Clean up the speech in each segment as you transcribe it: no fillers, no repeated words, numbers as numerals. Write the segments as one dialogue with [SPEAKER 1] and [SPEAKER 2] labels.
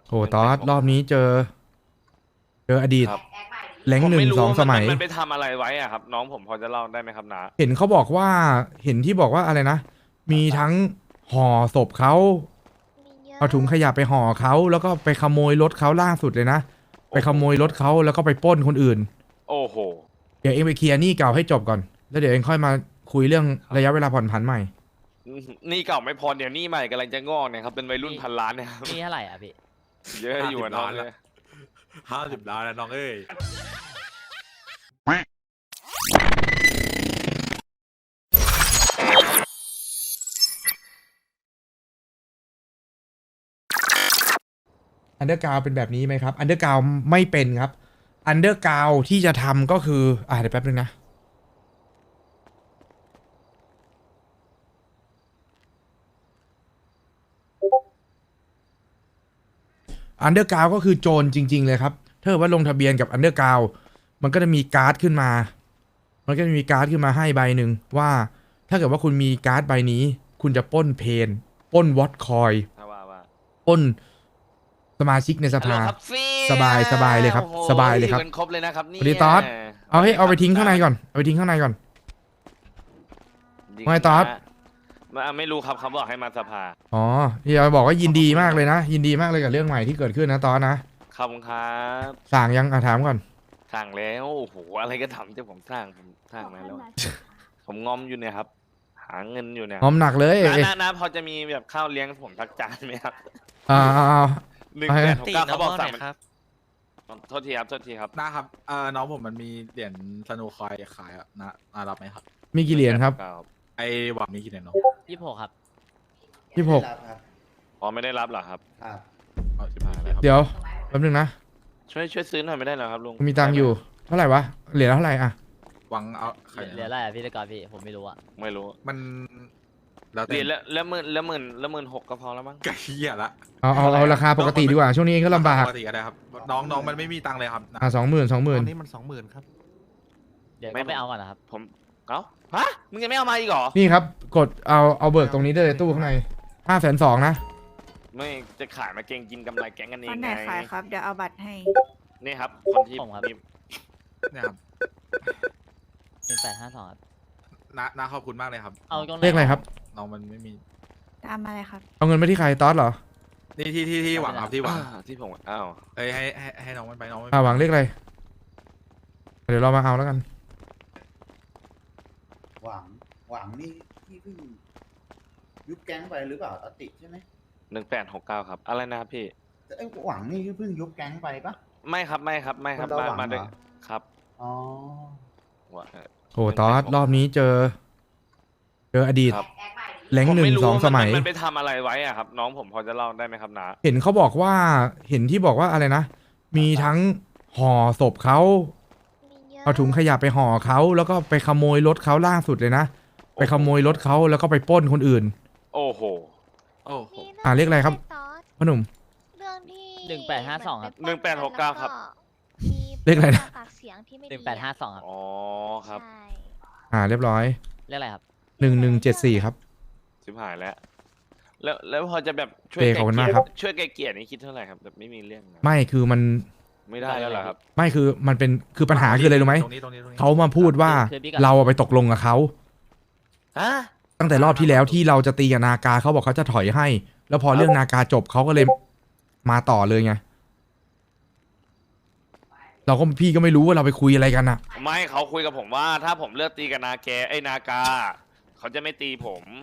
[SPEAKER 1] โหตอสรอบนี้เจออดีต
[SPEAKER 2] ครับ
[SPEAKER 1] แรงค์หนึ่งสองสมัย
[SPEAKER 2] มันไปทำอะไรไว้อะครับน้องผมพอจะเล่าได้ไหมครับนา
[SPEAKER 1] เห็นเขาบอกว่าเห็นที่บอกว่าอะไรนะ มีทั้งห่อศพเขาเอาถุงขยะไปห่อเขาแล้วก็ไปขโมยรถเขาล่าสุดเลยนะไปขโมยรถเขาแล้วก็ไปปล้นคนอื่น
[SPEAKER 2] โอ้โห
[SPEAKER 1] เดี๋ยวเองไปเคลียร์หนี้เก่าให้จบก่อนแล้วเดี๋ยวเองค่อยมาคุยเรื่องระยะเวลาผ่อนผันใหม่
[SPEAKER 2] นี่เก่าไม่พอเดี๋ยวนี่ใหม่กำลังจะงอกเนี่ยครับเป็นวัยรุ่นพันล้านเนี่ยครับ
[SPEAKER 3] นี่เท่าไหร่อ่ะพี่
[SPEAKER 2] เยอะอยู่อะน้องเลย
[SPEAKER 4] 50 ล้านแล้วน้องเอ้ย
[SPEAKER 1] อันเดอร์กราวเป็นแบบนี้ไหมครับอันเดอร์กราวไม่เป็นครับอันเดอร์กราวที่จะทำก็คือเดี๋ยวแป๊บนึงนะอันเดอร์กราวก็คือโจรจริงๆเลยครับถ้าเกิดว่าลงทะเบียนกับอันเดอร์กราวมันก็จะมีการ์ดขึ้นมาให้ใบหนึ่งว่าถ้าเกิดว่าคุณมีการ์ดใบนี้คุณจะปล้นเพนปล้นวอตคอย
[SPEAKER 2] ถ้าว่า
[SPEAKER 1] ปล้นสมาชิกในสภา
[SPEAKER 2] ฮัลโหลครับฟี่
[SPEAKER 1] สบายเลยครับ
[SPEAKER 2] โอ้โห
[SPEAKER 1] สบายเลยครับ
[SPEAKER 2] กันครบเลยนะครับนี่
[SPEAKER 1] สวัสดีตอส เอาไปทิ้งข้างในก่อนเอาไปทิ้งข้างในก่อน ไม่ตอส
[SPEAKER 2] ไม่รู้ครับเขาบอกให้มาสภา
[SPEAKER 1] อ๋อที่เราบอกว่ายินดีมากเลยนะ ยินดีมากเลยกับเรื่องใหม่ที่เกิดขึ้นนะตอนนะ
[SPEAKER 2] ขอบคุณครับ
[SPEAKER 1] สั่งยังถามก่อน
[SPEAKER 2] สั่งแล้วโอ้โหอะไรก็ทำจะผมสั่งมาแล้ว ผมงอมอยู่เนี่ยครับ หาเงินอยู่เนี่ย
[SPEAKER 1] หอมหนักเลย
[SPEAKER 2] น้าพอจะมีแบบข้าวเลี้ยงผมทักจานไหมครับ
[SPEAKER 1] เอา
[SPEAKER 2] 1 8 6 9เขาบอกสั่งมันโทษทีครับ
[SPEAKER 4] นะครับน้องผมมันมีเหรียญสโนว์คอยขายอ่ะนะรับไหมครับ
[SPEAKER 1] มีกี่เหรียญครับ
[SPEAKER 4] ไอ้หวังมีกี่เหรียญน้อง
[SPEAKER 3] 26 ครับ
[SPEAKER 1] 26
[SPEAKER 2] อ๋อไม่ได้รับเหรอครับ
[SPEAKER 5] ครับ
[SPEAKER 4] เอา15เลยครับ
[SPEAKER 1] เดี๋ยวแป๊บนึงนะ
[SPEAKER 2] ช่วยซื้อหน่อยไม่ได้เหรอครับลุง
[SPEAKER 1] มีตังค์อยู่เท่าไหร่วะเหรียญละเท่าไหร่อะ
[SPEAKER 4] หวังเอาใคร
[SPEAKER 3] เหลืออะไรอ่ะพี่ตะกอนพี่ผมไม่รู้อ่ะ
[SPEAKER 2] ไม่รู้
[SPEAKER 4] มันแล้ว
[SPEAKER 2] เหรี
[SPEAKER 4] แต่
[SPEAKER 2] ยญละ16,000ก็พอแล้วมั้ง
[SPEAKER 4] ไก่เหี้ยละ
[SPEAKER 1] เอาราคาปกติดีกว่าช่วงนี้เองก็ลำบาก
[SPEAKER 4] ปกติก็ได้ครับน้องมันไม่มีตังค์เลยครับนะ
[SPEAKER 1] 20,000
[SPEAKER 6] ตอนนี้มัน20,000ครับ
[SPEAKER 3] เดี๋ยวก็ไปเอาก่อนนะครับ
[SPEAKER 2] ผมเอ้าฮะมึงยังไม่เอามาอีกเหรอ
[SPEAKER 1] นี่ครับกดเอาเบิกตรงนี้ได้เลยตู้ข้างใน520,000นะ
[SPEAKER 2] ไม่จะขายมาเก่งกินกำไรแก๊งกันเอ
[SPEAKER 7] วั
[SPEAKER 2] ง
[SPEAKER 7] นไหน
[SPEAKER 2] ไง
[SPEAKER 7] ขายครับ เดี๋ยวเอาบัตรให้
[SPEAKER 2] นี่ครับคนที่
[SPEAKER 3] ผมครับ
[SPEAKER 2] มี
[SPEAKER 4] เนี่ยครับ
[SPEAKER 3] 1852ครับ
[SPEAKER 4] น้าขอบคุณมากเลยครับ
[SPEAKER 3] เอาตรงไหน
[SPEAKER 1] เลขอะไรครับ
[SPEAKER 4] น้องมันไม่มี
[SPEAKER 7] ตามมาเลยครับ
[SPEAKER 1] เอาเงินไปที่ใครตอสเหรอ
[SPEAKER 4] นี่ที่หวังครับที่หวัง
[SPEAKER 2] ที่ผมอ้าว
[SPEAKER 4] เอ้ยให้น้องมันไปน้องมัน
[SPEAKER 1] หวังเลขอะไรเดี๋ยวเรามาเอาแล้วกัน
[SPEAKER 5] หวังนี่ที่เพิ่งยุบแก๊งไปหรือเปล่าอติใช่ไหม
[SPEAKER 2] 1869ครับอะไรนะครับพี่
[SPEAKER 5] แต่ไอ้หวังนี่เพิ่งยุบแก๊งไปปะ
[SPEAKER 2] ไม่ครับคนละหวัง มาด้วย
[SPEAKER 5] เหรอ
[SPEAKER 2] ครับ
[SPEAKER 5] อ๋อ
[SPEAKER 2] ว่า
[SPEAKER 1] โอ้ตอสรอบนี้เจออดีต
[SPEAKER 2] ครับ
[SPEAKER 1] แรงค์
[SPEAKER 2] ผม
[SPEAKER 1] หนึ่
[SPEAKER 2] ไม่
[SPEAKER 1] ง
[SPEAKER 2] รู้
[SPEAKER 1] สอง
[SPEAKER 2] ว่า
[SPEAKER 1] สมัย
[SPEAKER 2] มันไปทำอะไรไว้อะครับ น้องผมพอจะเล่าได้ไหมครับนา
[SPEAKER 1] เห็นเขาบอกว่าเห็นที่บอกว่าอะไรนะ มีทั้งห่อศพเขาเอาถุงขยะไปห่อเขาแล้วก็ไปขโมยรถเขาล่าสุดเลยนะไปขโมยรถเขาแล้วก็ไปปล้นคนอื่น
[SPEAKER 2] โอ้โห
[SPEAKER 4] โอ้โห
[SPEAKER 1] เรียกอะไรครับพ่อหนุ่ม
[SPEAKER 8] เรื่องที่
[SPEAKER 3] 1852ครับ
[SPEAKER 2] 1869ครับ
[SPEAKER 8] มี
[SPEAKER 1] เลขอะไรนะ
[SPEAKER 8] ปากเสียงที่ไม่ดี
[SPEAKER 3] 1852ครับ
[SPEAKER 2] อ๋อครับ
[SPEAKER 8] ใช่
[SPEAKER 1] เรียบร้อย
[SPEAKER 3] เรียกอะไรครับ
[SPEAKER 1] 1174ครับ
[SPEAKER 2] ชิบหายแล้วแล้วพอจะแบบช่วย
[SPEAKER 1] เป้ขอบคุณมากครับ
[SPEAKER 2] ช่วยไกลเกลี่ยนี่คิดเท่าไหร่ครับแบบไม่มีเรื่องนะ
[SPEAKER 1] ไม่คือมัน
[SPEAKER 2] ไม่ได้แล้วเหรอครับ
[SPEAKER 1] ไม่คือมันเป็นคือปัญหาคืออะไรรู้ไหม
[SPEAKER 4] ตรงนี้
[SPEAKER 1] เขามาพูดว่าเราไปตกลงกับเขา
[SPEAKER 2] ฮะ
[SPEAKER 1] ตั้งแต่รอบที่แล้วที่เราจะตีกับนากาเขาบอกเขาจะถอยให้ แล้วพอเรื่องนากาจบเขาก็เลยมาต่อเลยไงพี่ก็ไม่รู้ว่าเราไปคุยอะไรกันอะ
[SPEAKER 2] ไม่เขาคุยกับผมว่า ถ้าผมเลือกตีกับนากาเขาจะไม่ตีผม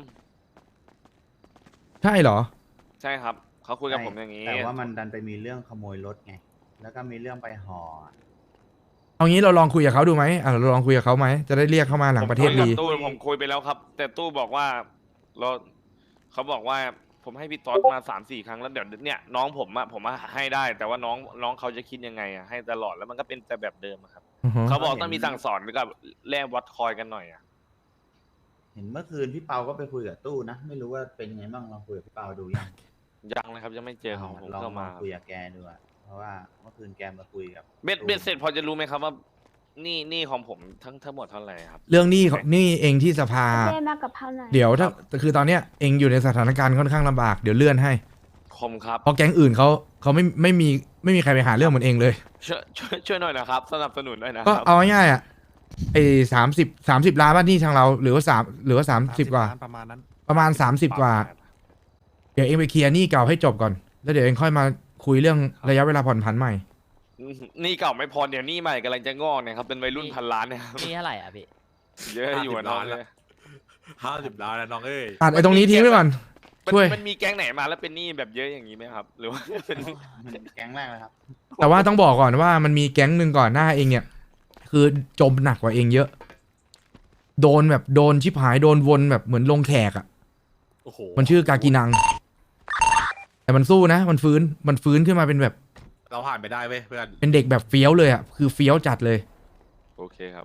[SPEAKER 1] ใช่เหรอ
[SPEAKER 2] ใช่ครับเขาคุยกับผมอย่างนี้
[SPEAKER 5] แต่ว่ามันดันไปมีเรื่องขโมยรถไง แล้วก็มีเรื่องไปห่อ
[SPEAKER 1] เอางี้เราลองคุยกับเขาดูไหมเราลองคุยกับเขาไหมจะได้เรียกเข้ามาหลังประเทศดี
[SPEAKER 2] ผมคุยไปแล้วครับ แต่ตู้บอกว่าเราเขาบอกว่าผมให้พี่ต๊อดมา3-4 ครั้งแล้วเดี๋ยวเนี่ยน้องผมให้ได้ แต่ว่าน้องเขาจะคิดยังไงอะให้ตลอดแล้วมันก็เป็นแต่แบบเดิมอะครับ
[SPEAKER 1] อือฮึ
[SPEAKER 2] เขาบอกต้องมีสั่งสอนกับแลกวัดคอยกันหน่อยอะ
[SPEAKER 5] เห็นเมื่อคืนพี่เปาก็ไปคุยกับตู้นะ ไม่รู้ว่าเป็นไงบ้างลองคุยกับพี่เปาดูยัง
[SPEAKER 2] ยังเลยครับยังไม่เจอของผม
[SPEAKER 5] ลอง
[SPEAKER 2] เข้ามา
[SPEAKER 5] คุยกับแกดูอะเพราะว่าเมื่อคืนแกมาคุยกับ
[SPEAKER 2] เบ็ดเสร็จพอจะรู้ไหมครับว่านี่ของผมทั้งหมดเท่าไหร่ครับ
[SPEAKER 1] เรื่องหนี้เองที่สภา
[SPEAKER 8] เล่มากับเท่าไหร่
[SPEAKER 1] เดี๋ยวถ้าคือตอนเนี้ยเองอยู่ในสถานการณ์ค่อนข้างลำบากเดี๋ยวเลื่อนให้
[SPEAKER 2] โคมครับ
[SPEAKER 1] เพราะแก๊งอื่นเขาไม่มีใครไปหาเรื่องมันเองเลย
[SPEAKER 2] ช่วยหน่อยนะครับ สนับสนุนหน่อยนะค
[SPEAKER 1] ก็
[SPEAKER 2] รับ
[SPEAKER 1] เอาง่ายๆอ่ะไอ้30 ล้านบ้านนี่ทางเราหรือว่า30 กว่า
[SPEAKER 6] ประมาณนั้น
[SPEAKER 1] ประมาณ30 กว่า เดี๋ยวเองไปเคลียร์หนี้เก่าให้จบก่อน แล้วเดี๋ยวเองค่อยมาคุยเรื่องระยะเวลาผ่อนผันใหม่
[SPEAKER 2] นี่เก่าไม่พอเดี๋ยวนี่ใหม่กำลังจะงอกเนี่ยครับเป็นวัยรุ่นพันล้านเนี่ยครับ
[SPEAKER 3] นี่เท่าไหร่อ่ะพี่
[SPEAKER 2] เยอะอยู่อะน้องเลย
[SPEAKER 4] 50 ล้านนะน้องเอ้ย
[SPEAKER 1] ตัดไอ้ตรงนี้ทิ้งไปก่อน ช่วย
[SPEAKER 2] มันมีแก๊งไหนมาแล้วเป็นหนี้แบบเยอะอย่างนี้ไหมครับ หรือว่าเป็น
[SPEAKER 5] แก๊งแรกเลยครับ
[SPEAKER 1] แต่ว่าต้องบอกก่อนว่ามันมีแก๊งหนึ่งก่อนหน้าเองเนี่ย คือจมหนักกว่าเองเยอะ โดนชิบหายโดนวนแบบเหมือนลงแขกอ่ะ
[SPEAKER 4] โอ้โห
[SPEAKER 1] มันชื่อกากินัง แต่มันสู้นะมันฟื้นขึ้นมาเป็นแบบ
[SPEAKER 4] เราผ่านไปได้เว้ยเพื่อน
[SPEAKER 1] เป็นเด็กแบบเฟี้ยวเลยอ่ะคือเฟี้ยวจัดเลย
[SPEAKER 2] โอเคครับ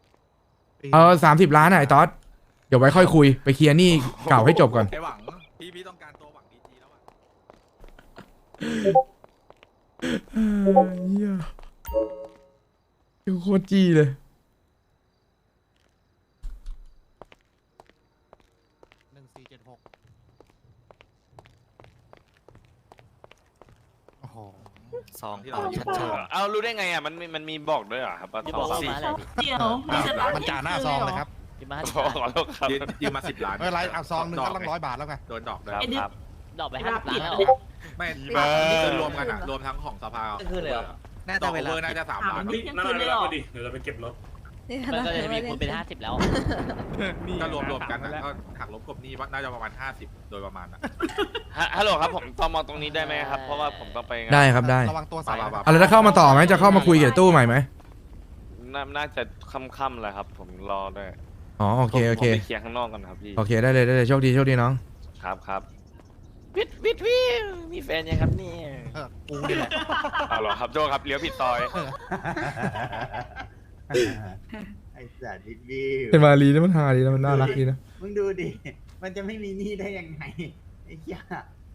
[SPEAKER 1] 30 ล้านอ่ะไอ้ต๊อดเดี๋ยวไว้ค่อยคุยไปเคลียร์หนี้เก่าให้จบก่อน
[SPEAKER 4] ไอ้หวังพี่ต้องการตัวหวังดีๆแล้วอะ
[SPEAKER 1] เหี้ยโคตรจี้เลย
[SPEAKER 6] 1476 โอ้โห
[SPEAKER 4] ซองที่
[SPEAKER 6] ต่
[SPEAKER 4] เรา
[SPEAKER 6] อชัด
[SPEAKER 2] เอารู้ได้ไงอ่ะมันมีบอกด้วยเหรอครับว่า
[SPEAKER 3] พี่
[SPEAKER 2] ส
[SPEAKER 3] บ
[SPEAKER 2] อ
[SPEAKER 3] อก
[SPEAKER 2] ง
[SPEAKER 3] ว่า
[SPEAKER 2] สี่
[SPEAKER 3] มาอะไรพี่
[SPEAKER 9] เดี๋ยวมีสตาร์ท
[SPEAKER 6] มันจ่าหน้าซองเลยครับ
[SPEAKER 3] พี่มา
[SPEAKER 2] ขอโทษครับ
[SPEAKER 4] ยืมมา10 ล้าน
[SPEAKER 6] ไม่เป็นไรเอาซองหนึงก็ต้อง100 บาทแล้วไง
[SPEAKER 4] โดนดอกด้วย
[SPEAKER 2] ครับครับ
[SPEAKER 3] ดอกไป50 ล้านแล้วเหรอ
[SPEAKER 4] ไม่
[SPEAKER 2] เบอร์
[SPEAKER 4] นี่คือรวมกันอะรวมทั้งของสภา
[SPEAKER 3] คือเลยเหรอ
[SPEAKER 6] น่า
[SPEAKER 4] ด
[SPEAKER 6] จะ
[SPEAKER 4] อก
[SPEAKER 6] เว
[SPEAKER 4] เว
[SPEAKER 6] ลา
[SPEAKER 4] อร์น่าจะ3 ล้าน
[SPEAKER 9] นี่นั่นเลยเหรอ
[SPEAKER 8] นี่
[SPEAKER 3] มันก็จะมีคูณเป็น50แล้ว
[SPEAKER 4] ก็รวมกันอะก็หักลบกบหนี้ว่าน่าจะประมาณ50โดยประมาณอะ
[SPEAKER 2] ฮัลโหลครับผมตอมอตรงนี้ได้ไหมครับ เพราะว่าผมต้องไปงาน
[SPEAKER 1] ได้ครับได้
[SPEAKER 6] ระวังตัวใส่
[SPEAKER 4] ป่า
[SPEAKER 1] อะไรจะเข้ามาต่อไหมจะเข้ามาคุยกับตู้ใหม่ไหม
[SPEAKER 2] น่าจะค่ำๆแหละครับ ผมรอด้วย
[SPEAKER 1] อ๋อโอเคโอเค
[SPEAKER 2] ผมไปเคลียร์ข้างนอกกันครับพี่
[SPEAKER 1] โอเคได้เลยโชคดีน้อง
[SPEAKER 2] ครับวิทมีแฟนยังครับเนี่ย
[SPEAKER 6] กูนี่แหละ
[SPEAKER 2] เอาเหรอครับโจครับเลี้ยวผิดซอย
[SPEAKER 5] ไอ้สัตว์ดิบบี้
[SPEAKER 1] เป็นมาลีแล้วมันฮาดีนะมันน่ารักดีนะ
[SPEAKER 5] มึงดูดิ มันจะไม่มีหนี้ได้ยังไง ไอ้เหี้ย